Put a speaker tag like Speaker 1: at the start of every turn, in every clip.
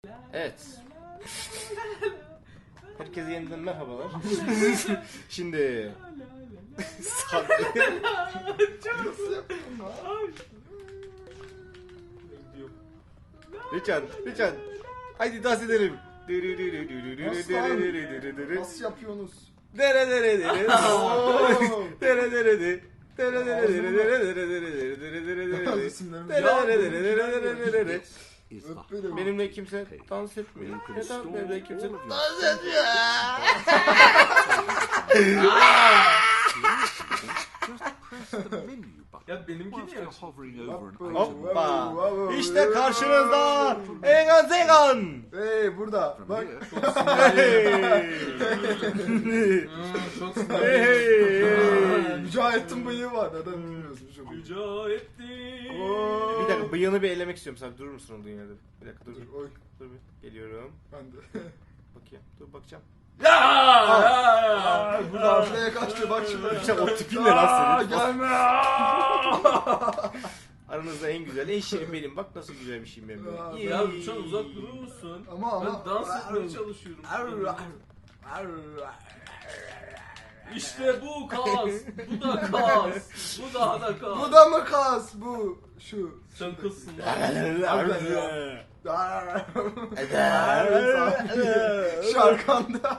Speaker 1: Evet. Herkese yeniden merhabalar. Şimdi Richard. Haydi dans edelim.
Speaker 2: Nasıl yapıyorsunuz?
Speaker 1: Benimle kimse dans etmiyor. Neden benimle kimse dans
Speaker 2: etmiyor?
Speaker 3: Ya benimki niye?
Speaker 1: Hoppa. İşte karşınızda Egan Zegan.
Speaker 2: Hey burada. Bak.
Speaker 3: Çok
Speaker 2: Mücahit'in bıyığı var. Neden bilmiyorsun?
Speaker 3: Mücahittin.
Speaker 1: Bir dakika bıyığını bir elemek istiyorum. Sen durur musun o dünyada? Bir dakika dur.
Speaker 2: Oy.
Speaker 1: Dur bir. Geliyorum.
Speaker 2: Ben de.
Speaker 1: Bakayım. Dur bakacağım.
Speaker 2: Burada arkaya kaçtı bak şimdi.
Speaker 1: İşte o tipin ne lan senin?
Speaker 2: Gelme.
Speaker 1: Aranızda en güzel, en şirin benim. Bak nasıl güzel bir şeyim benim.
Speaker 3: Ya çok uzak durur musun?
Speaker 2: Ama.
Speaker 3: Ben dans etmeye çalışıyorum. İşte bu kas, bu da kas, bu daha da kas.
Speaker 2: Bu da mı kas? Bu. Şu.
Speaker 3: Sen kızsın
Speaker 2: Şarkanda.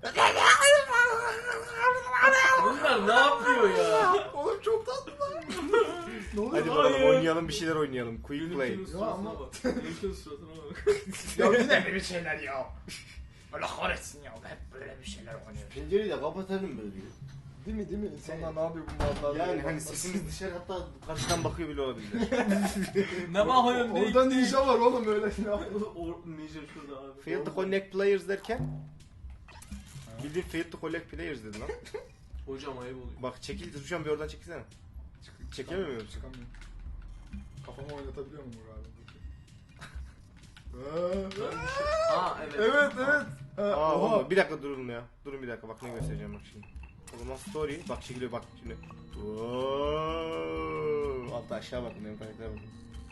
Speaker 3: Bunlar ne yapıyor ya?
Speaker 2: Oğlum çok tatlı lan. Ne oluyor?
Speaker 1: Hadi bakalım oynayalım, bir şeyler oynayalım. Quick play.
Speaker 3: Yönetmenin suratına bak. Yönetmenin suratına bak.
Speaker 2: Ya yine böyle şeyler ya. Allah kahretsin ya. Hep böyle bir şeyler oynuyor.
Speaker 1: Pencereyi de kapatalım böyle.
Speaker 2: Değil mi? İnsanlar ne yapıyor bu mallarla?
Speaker 1: Yani hani sesimiz dışarı hatta karşıdan bakıyor bile olabilir.
Speaker 3: Ne bakıyorsun?
Speaker 2: Orada ninja var oğlum öyle ne yapıyor?
Speaker 3: Ninja şurada abi.
Speaker 1: Fail to connect players derken bildiğin fail to collect players dedi lan.
Speaker 3: Hocam ayıp oluyor.
Speaker 1: Bak çekil, şu an bir oradan çekilsene. Çekemiyor muyum?
Speaker 2: Çıkamıyorum. Kafamı oynatabiliyor muyum galiba?
Speaker 3: Ha evet.
Speaker 2: Evet.
Speaker 1: Aa,
Speaker 2: Oha.
Speaker 1: oğlum, bir dakika durun ya. Durun bir dakika, bak ne göstereceğim bak şimdi. O zaman story, bak çekiliyor bak şimdi. Altta aşağı bakın, benim karaktere bakın.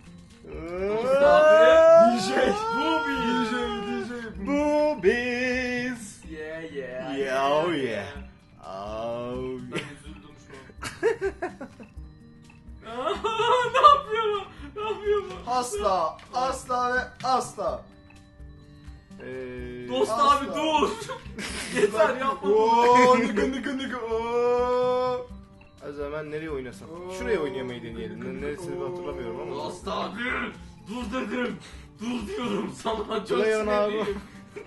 Speaker 2: DJ.
Speaker 1: Boobies.
Speaker 3: Yeah.
Speaker 1: Yeah, oh yeah. Oh
Speaker 3: Ben
Speaker 1: yeah.
Speaker 3: üzüldüm şu an. Ne yapıyor?
Speaker 2: Asla ve asla.
Speaker 3: Dost
Speaker 2: Asla.
Speaker 3: abi dur. Yeter yapma.
Speaker 2: Ooo nıkı. Ooo.
Speaker 1: O zaman nereye oynasak? Şuraya oynamayı deneyelim. Neresini hatırlamıyorum ama.
Speaker 3: Dost abi dur dedim. Dur diyorum sana çok
Speaker 1: Ulan abi.
Speaker 3: sinirliyim.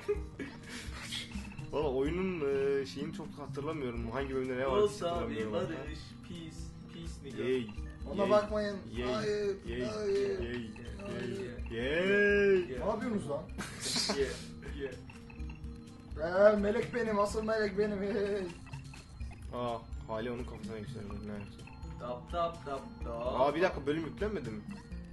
Speaker 1: Valla oyunun şeyini çok hatırlamıyorum. Hangi bölümde ne var hiç
Speaker 3: Dost abi
Speaker 1: hatırlamıyorum.
Speaker 3: barış. Peace nigga.
Speaker 1: Yay.
Speaker 2: Ona bakmayın.
Speaker 1: Yay.
Speaker 2: Hayır.
Speaker 1: Yay.
Speaker 2: Hayır.
Speaker 1: Yay.
Speaker 3: Yeah.
Speaker 1: Yay.
Speaker 2: Ne yapıyorsunuz lan?
Speaker 3: Yeah.
Speaker 2: Melek benim, asıl melek benim. Hey.
Speaker 1: Aa, hali onun kafasına yükseldi. Neyse.
Speaker 3: Tap.
Speaker 1: Aa, bir dakika, bölüm yüklenmedi mi?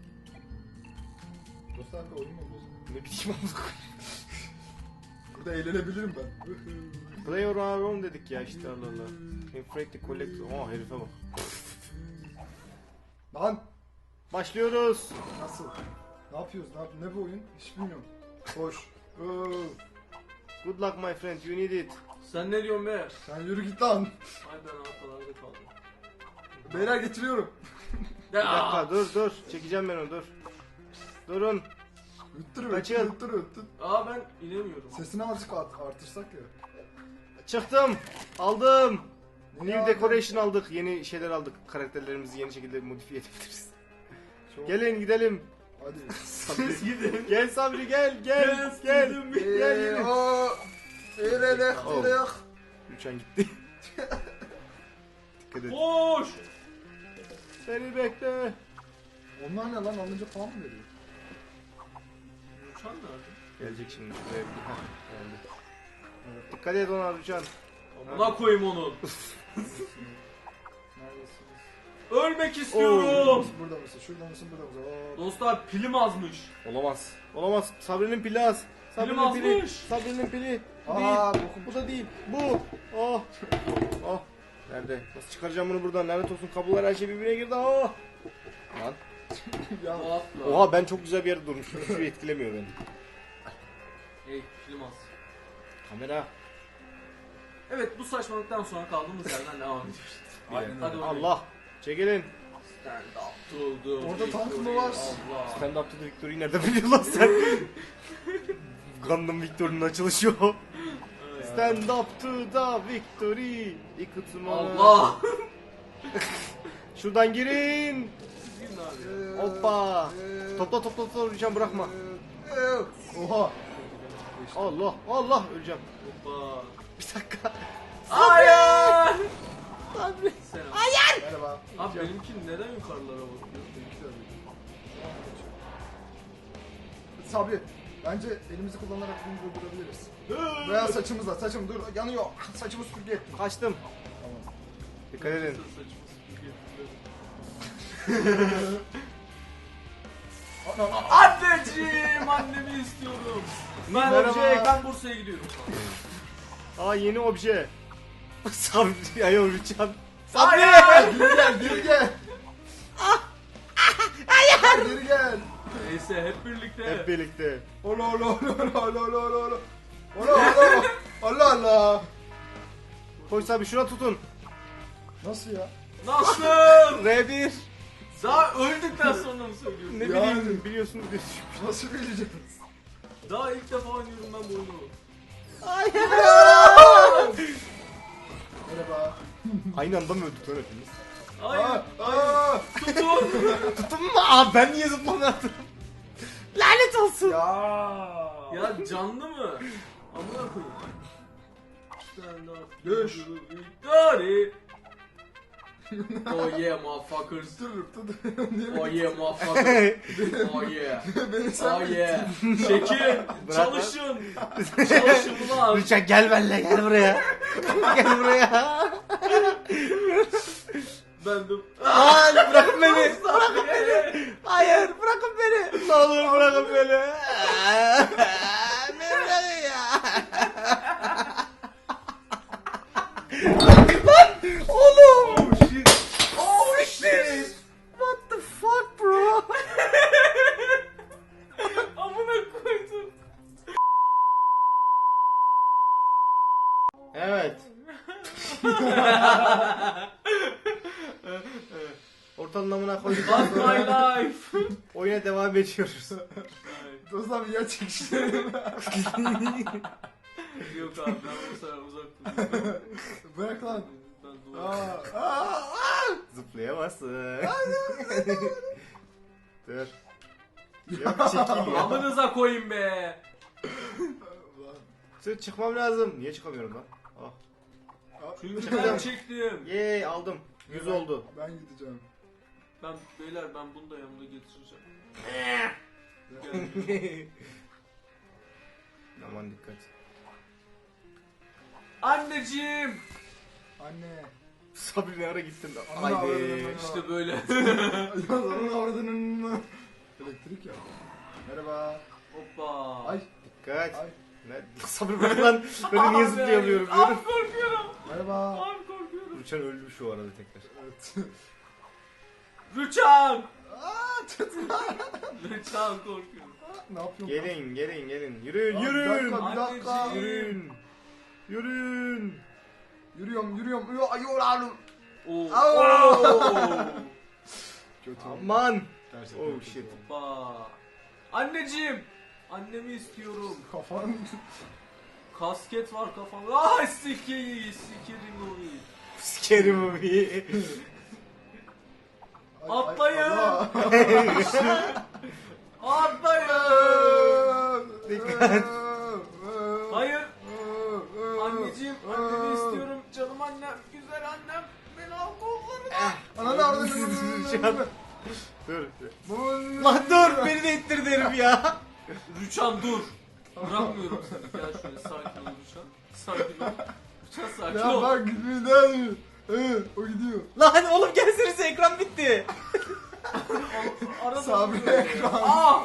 Speaker 2: Dostlar da oyun mu oynuyorsun?
Speaker 1: Ne bileyim amına.
Speaker 2: Burada eğlenebilirim ben.
Speaker 1: Play or our own dedik ya işte, Allah Allah. Infrate the collect. Aa, herife bak.
Speaker 2: Lan
Speaker 1: Başlıyoruz.
Speaker 2: nasıl? Ne yapıyoruz? Ne bu oyun? Hiç bilmiyorum. Hoş.
Speaker 1: Good luck my friend, you need it.
Speaker 3: Sen ne diyorsun be?
Speaker 2: Sen yürü git lan.
Speaker 3: Ay ben ortalarda kaldım.
Speaker 2: Beyler getiriyorum.
Speaker 1: Bir dakika, dur. Çekeceğim ben onu, dur. Durun. Kaçın.
Speaker 3: Aa ben inemiyorum.
Speaker 2: Sesini azıcık artırsak ya.
Speaker 1: Çıktım. Aldım.
Speaker 2: Niye
Speaker 1: New
Speaker 2: aldın?
Speaker 1: decoration aldık. Yeni şeyler aldık. Karakterlerimizi yeni şekilde modifiye edebiliriz.
Speaker 2: Çok-
Speaker 1: Gelin gidelim.
Speaker 2: Hadi.
Speaker 3: Siz gidin.
Speaker 1: Gel Sabri, gel.
Speaker 3: Yes, gidelim.
Speaker 1: Gel.
Speaker 2: Eee
Speaker 1: Uçan gitti. Dikkat et.
Speaker 3: Koş.
Speaker 1: Beni bekle.
Speaker 2: Onlar ne lan, alınca falan mı veriyor?
Speaker 3: Uçan nerede?
Speaker 1: Gelecek şimdi. Şuraya bir- Hah, geldi. Dikkat et ona Uçan.
Speaker 3: Amına koyayım onu.
Speaker 2: Neredesiniz?
Speaker 3: Ölmek istiyorum.
Speaker 2: Burada mısın? Şurada mısın? Burada mısın?
Speaker 3: Dostlar pilim azmış.
Speaker 1: Olamaz. Sabri'nin pili az. Sabri'nin pili.
Speaker 3: azmış.
Speaker 1: Sabri'nin pili. Bu
Speaker 2: Aa,
Speaker 1: değil.
Speaker 2: bokum.
Speaker 1: Bu da değil. Bu. Oh. Oh. Nerede? Nasıl çıkaracağım bunu buradan? Lanet olsun, kablolar her şey birbirine girdi. Oh. Lan.
Speaker 2: Ya
Speaker 3: Atla.
Speaker 1: Oha, ben çok güzel bir yerde durmuşum. Hiçbir etkilemiyor beni.
Speaker 3: Hey Yılmaz.
Speaker 1: Kamera.
Speaker 3: Evet bu saçmalıktan sonra kaldığımız yerden devam ediyoruz.
Speaker 1: Aynen.
Speaker 3: Hadi
Speaker 1: Allah. Çekilin.
Speaker 3: Stand up to the
Speaker 4: Orada tank mı
Speaker 3: victory.
Speaker 4: var?
Speaker 3: Allah.
Speaker 1: Stand up to the victory'yi nereden biliyorsun lan sen? Gundam Victory'nin açılışı o. Stand up to the victory.
Speaker 3: Allah.
Speaker 1: Şuradan girin.
Speaker 3: Sizin abi.
Speaker 1: Hoppa. Topla Rüçhan bırakma.
Speaker 4: Oha.
Speaker 1: Allah Allah öleceğim.
Speaker 3: Hoppa.
Speaker 1: Bir dakika.
Speaker 3: Hayır.
Speaker 1: Abi.
Speaker 3: Selam.
Speaker 4: Merhaba.
Speaker 3: Abi benimki neden yukarılara bakıyor?
Speaker 4: Sabri. Bence elimizi kullanarak bunu durdurabiliriz. Veya saçımızla. Saçım dur. Yanıyor. Saçımı süpürge ettim.
Speaker 1: Kaçtım.
Speaker 4: Tamam.
Speaker 1: Dikkat edin.
Speaker 3: Anneciğim, annemi istiyorum. Ben
Speaker 1: Merhaba.
Speaker 3: ben Bursa'ya gidiyorum.
Speaker 1: Aa yeni obje. Sabri ayol Rüçhan.
Speaker 3: Hayır.
Speaker 4: Geri gel. Geri gel. Geri gel.
Speaker 3: Neyse hep birlikte.
Speaker 1: Hep birlikte.
Speaker 4: Ola ola ola ola ola ola ola. Ola ola. Allah Allah.
Speaker 1: Koş Sabri şuna tutun.
Speaker 4: Nasıl ya?
Speaker 3: Nasıl?
Speaker 1: R1.
Speaker 3: Daha öldükten sonra mı söylüyorsun?
Speaker 1: Ne
Speaker 4: Yani.
Speaker 1: bileyim biliyorsunuz diye düşünmüş.
Speaker 4: Nasıl bileceğiz?
Speaker 3: Daha ilk defa oynuyorum ben bu oyunu.
Speaker 4: Merhaba.
Speaker 1: Aynı anda mı öldük lan hepimiz?
Speaker 3: Hayır.
Speaker 4: Aa,
Speaker 3: Hayır.
Speaker 4: aa.
Speaker 3: Tutun.
Speaker 1: Tutun mu? Aa ben niye zıplamadım? Lanet olsun.
Speaker 4: Ya.
Speaker 3: Ya canlı mı? Amına koyayım. Stand up.
Speaker 4: Düş.
Speaker 3: Victory. Oh yeah motherfuckers.
Speaker 4: Dur dur.
Speaker 3: Oh yeah motherfuckers. Oh yeah.
Speaker 4: Beni sen
Speaker 3: Oh yeah. Çekin.
Speaker 1: Bırak
Speaker 3: Çalışın. Çalışın ulan.
Speaker 1: Rüçhan gel benimle gel buraya. Gel buraya.
Speaker 3: Ben de...
Speaker 1: Aa bırakın beni. Bırakın beni. Hayır bırakın beni. Ne olur bırakın beni. Beni bırakın ya. Lan oğlum.
Speaker 3: Oh shit.
Speaker 1: What the fuck bro?
Speaker 3: Amına koydum.
Speaker 1: Evet. Ortanın amına koyduk.
Speaker 3: Fuck my life.
Speaker 1: Oyuna devam ediyoruz.
Speaker 4: Dostlar bir yer çekiştirelim.
Speaker 3: Yok abi ben bu sefer uzak duruyorum.
Speaker 4: Bırak lan.
Speaker 3: Ben
Speaker 4: Aa,
Speaker 3: duvar.
Speaker 4: aa.
Speaker 1: Zıplayamazsın. Dur. Yok çekil ya.
Speaker 3: Amınıza koyayım be.
Speaker 1: Sır çıkmam lazım. Niye çıkamıyorum lan? Ah.
Speaker 3: Çünkü ben
Speaker 1: Çıkacağım.
Speaker 3: çektim.
Speaker 1: Yey aldım. 100 oldu.
Speaker 4: Ben gideceğim.
Speaker 3: Ben beyler ben bunu da yanımda getireceğim.
Speaker 1: Aman dikkat.
Speaker 3: Anneciğim.
Speaker 4: Anne.
Speaker 1: Sabri ne ara gittin?
Speaker 4: Aman
Speaker 1: Haydi.
Speaker 4: Allah'ım.
Speaker 3: İşte böyle.
Speaker 4: Yazarın avradının. Elektrik ya. Merhaba.
Speaker 3: Hoppa.
Speaker 4: Ay.
Speaker 1: Dikkat.
Speaker 4: Ay.
Speaker 1: Ne? Sabri bırak lan. Ben niye zıplayamıyorum?
Speaker 3: Abi korkuyorum.
Speaker 4: Merhaba.
Speaker 3: Abi korkuyorum.
Speaker 1: Rüçhan öldü şu arada tekrar.
Speaker 4: Evet.
Speaker 3: Rüçhan.
Speaker 4: Aa, tutma.
Speaker 3: Rüçhan korkuyorum.
Speaker 4: Ne yapıyorsun?
Speaker 1: Gelin. Yürüyün
Speaker 4: Aa,
Speaker 1: yürüyün.
Speaker 4: Bir dakika.
Speaker 3: Anneciğim.
Speaker 1: Yürüyün.
Speaker 4: Yürüyorum. Ay yoruldum.
Speaker 3: Oo.
Speaker 4: Oo. Kötü.
Speaker 1: Aman.
Speaker 4: Gerçekten
Speaker 1: Oh
Speaker 4: kötü
Speaker 1: shit.
Speaker 4: oldu.
Speaker 3: Hoppa. Anneciğim. Annemi istiyorum.
Speaker 4: Kafan.
Speaker 3: Kasket var kafamda. Ah sikerim onu.
Speaker 1: Sikerim o bir.
Speaker 4: Ay,
Speaker 3: Atlayın.
Speaker 4: Allah.
Speaker 3: Atlayın.
Speaker 1: Dikkat.
Speaker 3: Hayır. Anneciğim annemi istiyorum. Canım annem. Güzel annem. Beni al kollarına.
Speaker 4: Ananı avradını.
Speaker 1: Dur. Lan dur beni de ittirdi herif ya.
Speaker 3: Rüçhan dur. Bırakmıyorum seni. Gel şöyle sakin ol Rüçhan. Sakin ol. Rüçhan sakin
Speaker 4: Ya
Speaker 3: ol.
Speaker 4: bak gitmeden. O gidiyor.
Speaker 1: Lan oğlum gelsenize ekran bitti.
Speaker 3: Arada
Speaker 4: Sabri
Speaker 3: duruyor.
Speaker 4: ekran.
Speaker 3: Ah!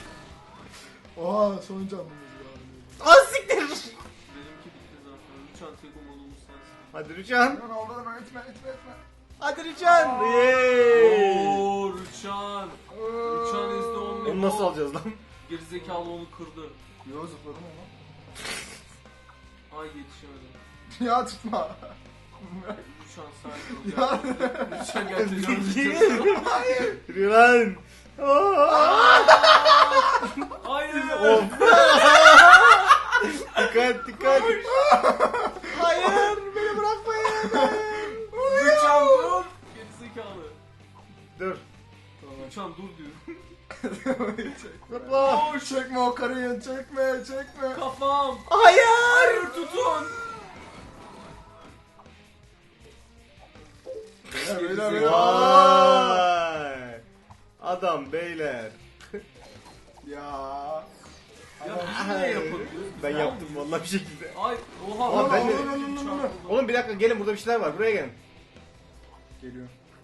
Speaker 4: Oha son canlımız ya.
Speaker 1: Az siktir.
Speaker 3: Benimki bitti zaten. Rüçhan tek umudumuz sensin.
Speaker 1: Hadi Rüçhan.
Speaker 4: Aman Allah'ım etme.
Speaker 1: Hadi Rüçhan. Yeee.
Speaker 3: Ooo Rüçhan. Rüçhan is the only
Speaker 1: Onu nasıl
Speaker 3: hope.
Speaker 1: alacağız lan?
Speaker 3: Gerizekalı onu kırdı.
Speaker 4: Yo zıpladım ama.
Speaker 3: Ay yetişemedim.
Speaker 4: Ya tutma.
Speaker 3: Rüçhan sakin ol.
Speaker 4: Ya.
Speaker 3: Rüçhan gerçekten
Speaker 1: Yürü lan.
Speaker 3: Hayır.
Speaker 1: Of. Dikkat. Hayır, beni bırakmayın.
Speaker 3: Rüçhan dur. Gerizekalı.
Speaker 1: Dur.
Speaker 3: Rüçhan dur diyor.
Speaker 1: Zıpla.
Speaker 4: Çekme o karıyı, çekme.
Speaker 3: Kafam.
Speaker 1: Hayır.
Speaker 3: Hayır tutun.
Speaker 4: Beyler.
Speaker 1: Vay. Adam beyler.
Speaker 4: Ya.
Speaker 3: Ya biz ne yapabiliyoruz?
Speaker 1: Ben yaptım vallahi bir şekilde.
Speaker 3: Ay oha.
Speaker 1: Aa, ben de-
Speaker 3: Rüçhan buldu.
Speaker 1: Oğlum bir dakika gelin, burada bir şeyler var. Buraya gelin.
Speaker 4: Geliyor.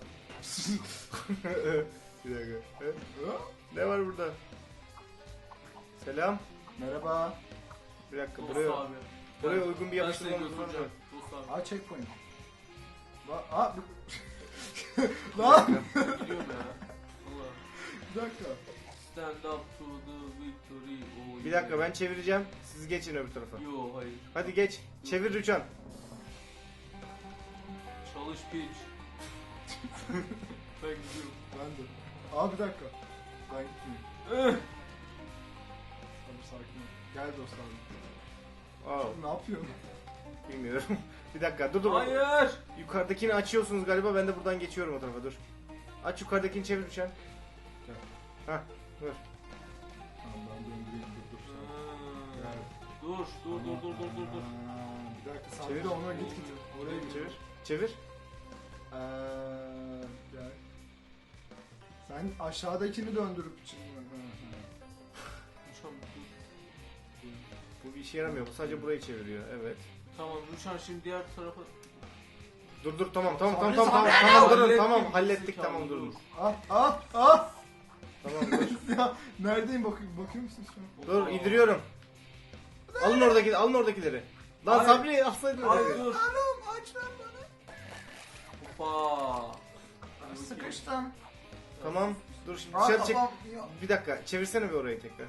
Speaker 1: Bir dakika. Ne var burada? Selam.
Speaker 4: Merhaba.
Speaker 1: Bir dakika
Speaker 3: Dost
Speaker 1: buraya.
Speaker 3: abi.
Speaker 1: Buraya uygun bir
Speaker 3: Ben seni
Speaker 1: yapıştırmamız var mı?
Speaker 3: götüreceğim. Dost abi.
Speaker 4: Aa checkpoint. Lan.
Speaker 3: Gidiyorum ya. Allah.
Speaker 4: Bir dakika.
Speaker 3: Stand up to the victory. Oh,
Speaker 1: Bir dakika ben çevireceğim. Siz geçin öbür tarafa.
Speaker 3: Yo hayır.
Speaker 1: Hadi geç. Çevir Rüçhan.
Speaker 3: Çalış piç. Ben gidiyorum.
Speaker 4: Ben de. Aa bir dakika. Ben gitmeyeyim. Abi sakin ol. Gel dostlar.
Speaker 1: Aa,
Speaker 4: Ne yapıyorsun?
Speaker 1: bilmiyorum. Bir dakika dur.
Speaker 3: Hayır.
Speaker 1: Yukarıdakini açıyorsunuz galiba. Ben de buradan geçiyorum o tarafa. Dur. Aç yukarıdakini, çevir Rüçhan.
Speaker 4: Gel.
Speaker 1: Hah. Dur.
Speaker 4: Tamam ben döndüreyim dur. Gel.
Speaker 3: Dur. Dur.
Speaker 4: Aa, bir dakika sen
Speaker 1: Çevir.
Speaker 4: bir de ona git. Oraya git.
Speaker 1: Çevir. Çevir.
Speaker 4: Gel. Sen aşağıdakini döndürüp şimdi.
Speaker 3: Rüçhan dur.
Speaker 1: Bu bir işe yaramıyor. Bu sadece burayı çeviriyor. Evet.
Speaker 3: Tamam Rüçhan şimdi diğer tarafa.
Speaker 1: Dur tamam
Speaker 4: Sabri,
Speaker 1: durun
Speaker 3: Hallettim,
Speaker 1: tamam hallettik
Speaker 3: gerizekalı,
Speaker 1: tamam durun.
Speaker 3: dur.
Speaker 4: Ah.
Speaker 1: Tamam dur.
Speaker 4: Ya neredeyim bakıyor musun şu an?
Speaker 1: Dur indiriyorum. Alın oradakileri. Lan
Speaker 3: Ay.
Speaker 1: Sabri alsaydın
Speaker 3: Ay
Speaker 1: orayı.
Speaker 3: dur.
Speaker 4: Anam aç lan bana.
Speaker 3: Hoppa.
Speaker 4: Sıkıştım.
Speaker 1: Tamam. Dur şimdi
Speaker 4: Aa
Speaker 1: dışarı çek.
Speaker 4: kafam. Ya.
Speaker 1: Bir dakika çevirsene bir orayı tekrar.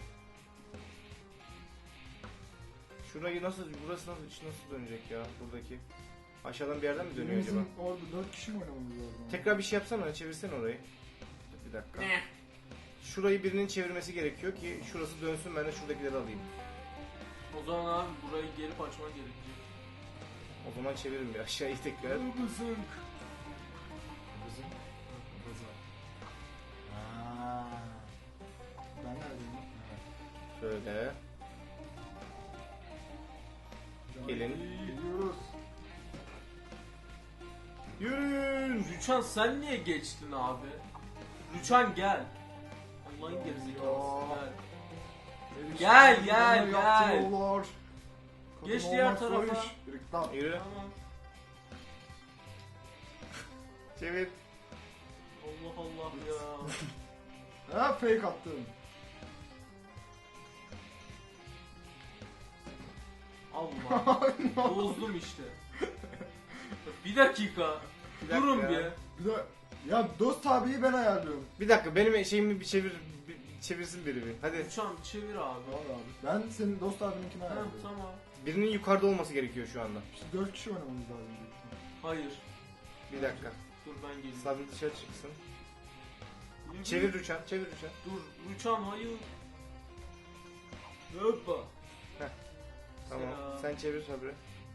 Speaker 1: Şurayı burası nasıl dönecek ya buradaki? Aşağıdan bir yerden mi dönüyor acaba?
Speaker 4: Bizim orada 4 kişi mi oynamamız lazım?
Speaker 1: Tekrar bir şey yapsana, çevirsene orayı. Bir dakika. Şurayı birinin çevirmesi gerekiyor ki şurası dönsün, ben de şuradakileri alayım.
Speaker 3: O zaman abi burayı gelip açman gerekecek.
Speaker 1: O zaman çevirin bir aşağıyı tekrar.
Speaker 3: Kızım.
Speaker 4: Kızım. Ben neredeyim?
Speaker 1: Şöyle. Gelin.
Speaker 4: Geliyoruz.
Speaker 1: Yürüyün.
Speaker 3: Rüçhan sen niye geçtin abi? Rüçhan gel. Allah'ın gerizekalısı gel. Gel. Geç diğer tarafa.
Speaker 1: Yürü.
Speaker 3: Tamam.
Speaker 1: Çevir.
Speaker 3: Allah Allah ya.
Speaker 4: Ha fake attım.
Speaker 3: Allah. Bozdum işte. Bir dakika. Durun
Speaker 1: ya.
Speaker 3: bir.
Speaker 4: Bir de ya dost abiyi ben ayarlıyorum.
Speaker 1: Bir dakika benim şeyimi bir çevirsin biri bir. Hadi.
Speaker 3: Rüçhan çevir abi.
Speaker 4: Var abi. Ben senin dost abininkini
Speaker 3: Ha,
Speaker 4: ayarlıyorum.
Speaker 3: tamam.
Speaker 1: Birinin yukarıda olması gerekiyor şu anda.
Speaker 4: İşte 4 kişi oynamamız lazım. büyük ihtimal.
Speaker 3: Hayır.
Speaker 1: Bir dakika.
Speaker 3: Dur ben geleyim.
Speaker 1: Sabri dışarı çıksın.
Speaker 3: Yürü.
Speaker 1: Çevir Rüçhan.
Speaker 3: Dur Rüçhan hayır. Hoppa.
Speaker 1: Tamam.
Speaker 3: Selam.
Speaker 1: Sen çevir Sabri.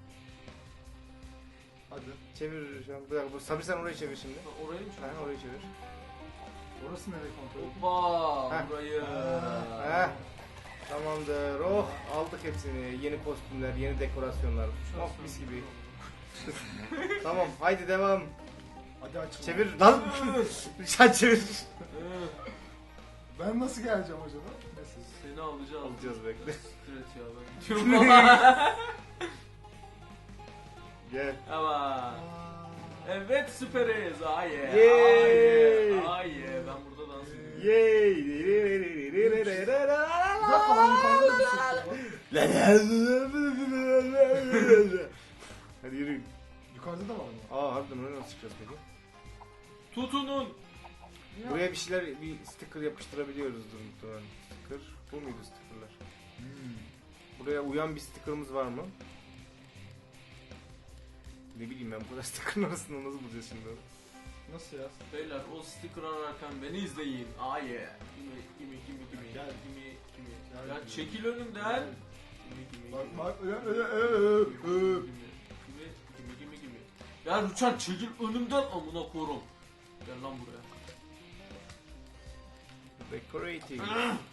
Speaker 4: Hadi.
Speaker 1: Çevir Rüçhan. Bir dakika. Sabri sen orayı çevir şimdi.
Speaker 3: Ha, orayı mı
Speaker 1: Ha,
Speaker 3: çevir?
Speaker 1: orayı çevir.
Speaker 4: Orası nereye kontrol edeyim?
Speaker 3: Hoppa.
Speaker 1: Heh.
Speaker 3: Burayı.
Speaker 1: Heh. Tamamdır. Oh aldık hepsini. Yeni kostümler, yeni dekorasyonlar. Oh mis gibi. Tamam haydi devam.
Speaker 4: Hadi açın.
Speaker 1: Çevir lan. Sen çevir.
Speaker 4: Ben nasıl geleceğim acaba? Neyse.
Speaker 3: Seni alacağız.
Speaker 1: Alacağız bekle.
Speaker 3: Stret ya ben gidiyorum.
Speaker 1: Gel.
Speaker 3: Ama. Evet süperiz. Aye.
Speaker 1: Yay.
Speaker 3: Aye. Ben burada dans ediyorum.
Speaker 1: Yay.
Speaker 4: Bir dakika lan yukarıda da bir ses var.
Speaker 1: Hadi yürüyün.
Speaker 4: Yukarıda da var mı?
Speaker 1: Aa harbiden oraya nasıl çıkacağız peki?
Speaker 3: Tutunun.
Speaker 1: Buraya bir sticker yapıştırabiliyoruz muhtemelen. Sticker. Bu muydu stickerlar? Buraya uyan bir stickerımız var mı? Ne bileyim ben bu kadar stickerın arasında nasıl bulacağız şimdi onu?
Speaker 4: Nasıl ya?
Speaker 3: Beyler o sticker ararken beni izleyin. Ah yeah. Gimme.
Speaker 4: Gel.
Speaker 3: Gimme.
Speaker 4: Gel.
Speaker 3: Ya çekil önümden. Gimme.
Speaker 4: Bak bak.
Speaker 3: Gimme. Ya Rüçhan çekil önümden amına korum. Gel lan buraya.
Speaker 1: Decorating.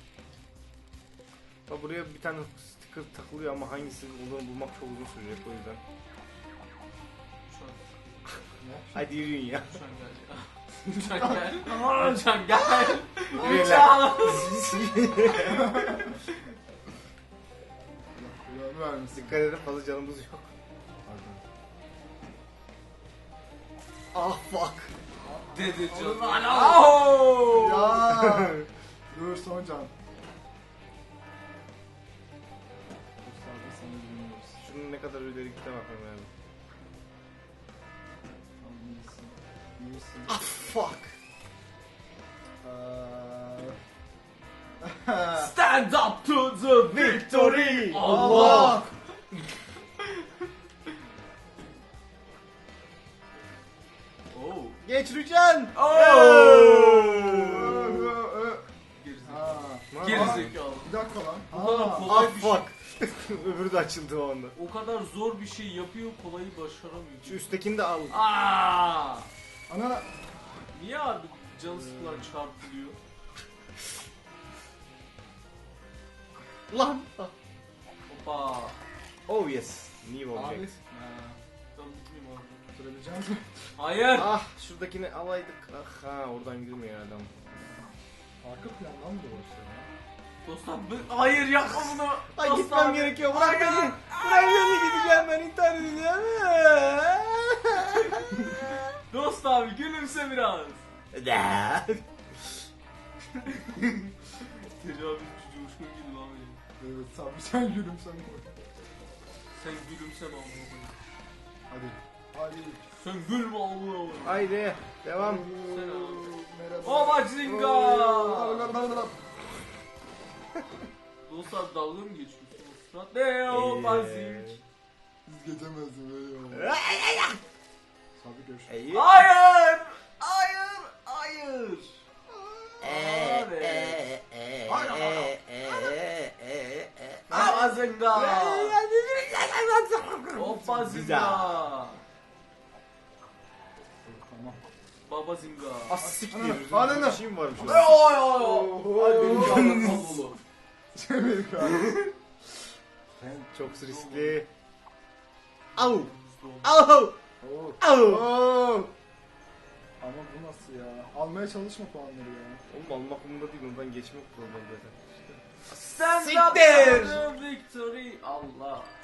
Speaker 1: Bak buraya bir tane sticker takılıyor ama hangisi olduğunu bulmak çok uzun sürecek o yüzden.
Speaker 3: Rüçhan.
Speaker 1: Hadi yürüyün ya.
Speaker 3: Rüçhan gel. Rüçhan gel.
Speaker 1: Yürüyün
Speaker 3: Rüçhan.
Speaker 1: lan. Dikkat edin fazla canımız yok. Ah fuck.
Speaker 3: Dedi canım.
Speaker 4: Ya. Dur son can. Mustafa sana güveniyoruz.
Speaker 1: Şunun ne kadar ileri gitti bakayım yani.
Speaker 4: Tamam iyisin. İyisin.
Speaker 1: Ah fuck.
Speaker 3: Stand up to the victory.
Speaker 1: Allah.
Speaker 3: Oh.
Speaker 1: Geç Rüçhan.
Speaker 3: Gerizekalı.
Speaker 4: Bir dakika lan.
Speaker 3: Bu kadar
Speaker 1: Ah
Speaker 3: kolay bir şey.
Speaker 1: fuck. Öbürü de açıldı o anda.
Speaker 3: O kadar zor bir şey yapıyor, kolayı başaramıyor.
Speaker 1: Şu üsttekini de al.
Speaker 3: Aa!
Speaker 4: Ana.
Speaker 3: Niye abi canı sıkılan çarpılıyor?
Speaker 1: Lan.
Speaker 3: Hoppa.
Speaker 1: Oh yes. New
Speaker 4: Abi.
Speaker 1: object.
Speaker 3: Ben mutluyum abi.
Speaker 4: Tutabileceğim mi?
Speaker 3: Hayır.
Speaker 1: Ah şuradakini alaydık. Ah ha oradan girmiyor adam.
Speaker 4: Arka plandan mı dolaşıyor ya?
Speaker 3: Dostum hayır yapma bunu.
Speaker 1: Ay
Speaker 3: Dost
Speaker 1: gitmem
Speaker 3: abi.
Speaker 1: gerekiyor. Bırak beni. Bırak beni gideceğim ben intihar edeceğim.
Speaker 3: Dost abi gülümse biraz. Tecavüzcü coşkun gibi lan benim.
Speaker 4: Evet sen gülümsen koy.
Speaker 3: Sen gülümseme amına koyayım.
Speaker 4: Hadi. Hadi.
Speaker 3: Sen gülme amına koyayım.
Speaker 1: Haydi devam.
Speaker 3: Sen abi.
Speaker 4: Merhaba.
Speaker 3: Obazinga.
Speaker 4: Oo.
Speaker 3: Dostlar dalga mı geçiyorsunuz? Radyo Bazing.
Speaker 4: Siz geçemezsiniz öyle ya. Sabri görüşürüz.
Speaker 1: İyi.
Speaker 3: Hayır! Hayır! Hayır! Bazinga! Bazinga!
Speaker 4: Tamam.
Speaker 3: Babazinga!
Speaker 1: Ah siktir.
Speaker 4: Ananı.
Speaker 1: Bir şey mi varmış
Speaker 3: Ay
Speaker 1: orada?
Speaker 3: ay ay! Ay benim canım kablolu.
Speaker 4: Cemil abi.
Speaker 1: Çok riskli. Au. Au.
Speaker 4: Oo.
Speaker 1: Au.
Speaker 4: Oo. Ama bu nasıl ya? Almaya çalışma puanları ya.
Speaker 1: Oğlum almak umurumda değil. Ondan geçmek problem zaten.
Speaker 3: Stand up
Speaker 1: Siktir!
Speaker 3: to the victory! Allah!